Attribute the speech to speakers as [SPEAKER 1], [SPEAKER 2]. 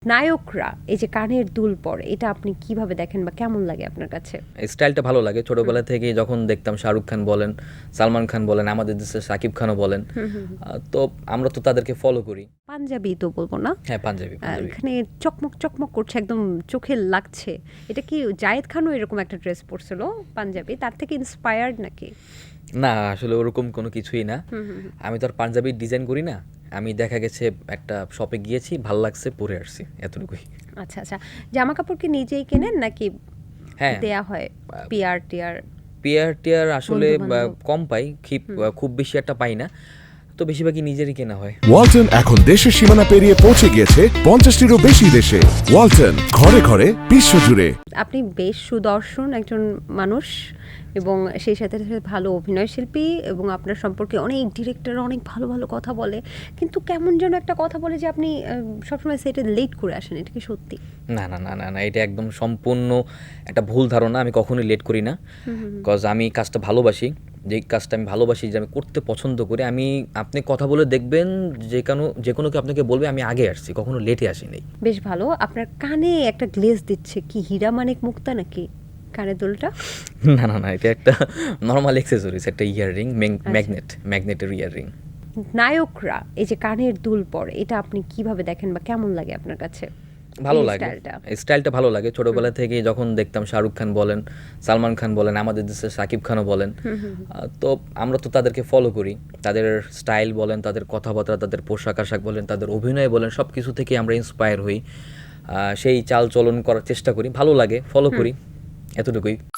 [SPEAKER 1] নায়করা এই যে কানের দুল পরে এটা আপনি কিভাবে দেখেন বা কেমন লাগে আপনার কাছে?
[SPEAKER 2] স্টাইলটা ভালো লাগে ছোটবেলা থেকেই যখন দেখতাম শাহরুখ খান বলেন, সালমান খান বলেন, আমাদের দেশের সাকিব খানও বলেন। তো আমরা তো তাদেরকে ফলো করি।
[SPEAKER 1] পাঞ্জাবি তো বলবো না,
[SPEAKER 2] হ্যাঁ, পাঞ্জাবি পাঞ্জাবি
[SPEAKER 1] এখানে চকমক চকমক করছে, একদম চোখে লাগছে। এটা কি জায়েদ খানও এরকম একটা ড্রেস পরছিল পাঞ্জাবি, তার থেকে ইন্সপায়ার্ড নাকি?
[SPEAKER 2] না, আসলে ওরকম কোনো কিছুই না। আমি তো আর পাঞ্জাবির ডিজাইন করি না। আমি দেখা গেছে একটা শপে গিয়েছি, ভাল লাগছে, পরে আসছি, এতটুকুই।
[SPEAKER 1] আচ্ছা আচ্ছা, জামা কাপড় কি নিজেই কেনেন নাকি
[SPEAKER 2] হ্যাঁ,
[SPEAKER 1] দেয়া হয় পিয়ার টিয়ার?
[SPEAKER 2] পিয়ার টিয়ার আসলে
[SPEAKER 1] বন্ধু বান্ধব?
[SPEAKER 2] কম পাই, খুব বেশি একটা পাই না, তো বেশিরভাগই নিজেরই কেনা হয়।
[SPEAKER 3] ওয়ালটন এখন দেশের সীমানা পেরিয়ে পৌঁছে গিয়েছে 50টিরও বেশি দেশে। ওয়ালটন, ঘরে ঘরে বিশ্বজুড়ে।
[SPEAKER 1] আপনি বেশ সুদর্শন একজন মানুষ এবং সেই সাথে সাথে ভালো অভিনয় শিল্পী, এবং আপনার সম্পর্কে অনেক ডিরেক্টর অনেক ভালো ভালো কথা বলে, কিন্তু কেমন যেন একটা কথা বলে যে আপনি সবসময় সেটা লেট করে আসেন, এটা কি সত্যি?
[SPEAKER 2] না না না না না, এটা একদম সম্পূর্ণ একটা ভুল ধারণা। আমি কখনোই লেট করি না, কজ আমি কাজটা ভালোবাসি। যেই কাজটা আমি ভালোবাসি, যে আমি করতে পছন্দ করি, আপনি কথা বলে দেখবেন, যে কোনো কেউ আপনাকে বলবে আমি আগে আসছি, কখনো লেটে আসিনি।
[SPEAKER 1] বেশ ভালো। আপনার কানে একটা গ্লেজ দিচ্ছে, কি হীরা মানিক মুক্তা নাকি কানের দুলটা?
[SPEAKER 2] না না না, এটা একটা নর্মাল অ্যাক্সেসরিজ, একটা ইয়াররিং,
[SPEAKER 1] আচ্ছা।
[SPEAKER 2] ম্যাগনেটের ইয়াররিং।
[SPEAKER 1] নায়করা এই যে কানের দুল পরে এটা আপনি কিভাবে দেখেন বা কেমন লাগে আপনার কাছে?
[SPEAKER 2] ভালো
[SPEAKER 1] এই
[SPEAKER 2] লাগে,
[SPEAKER 1] স্টাইলটা?
[SPEAKER 2] স্টাইলটা ভালো লাগে। ছোটবেলা থেকেই যখন দেখতাম শাহরুখ খান বলেন, সালমান খান বলেন, আমাদের দেশের সাকিব খানও বলেন। তো আমরা তো তাদেরকে ফলো করি। তাদের স্টাইল বলেন, তাদের কথাবার্তা, তাদের পোশাক আশাক বলেন, তাদের অভিনয় বলেন, সব কিছু থেকে আমরা ইন্সপায়ার হই। সেই চাল চলন করার চেষ্টা করি, ভালো লাগে, ফলো করি, এতটুকুই।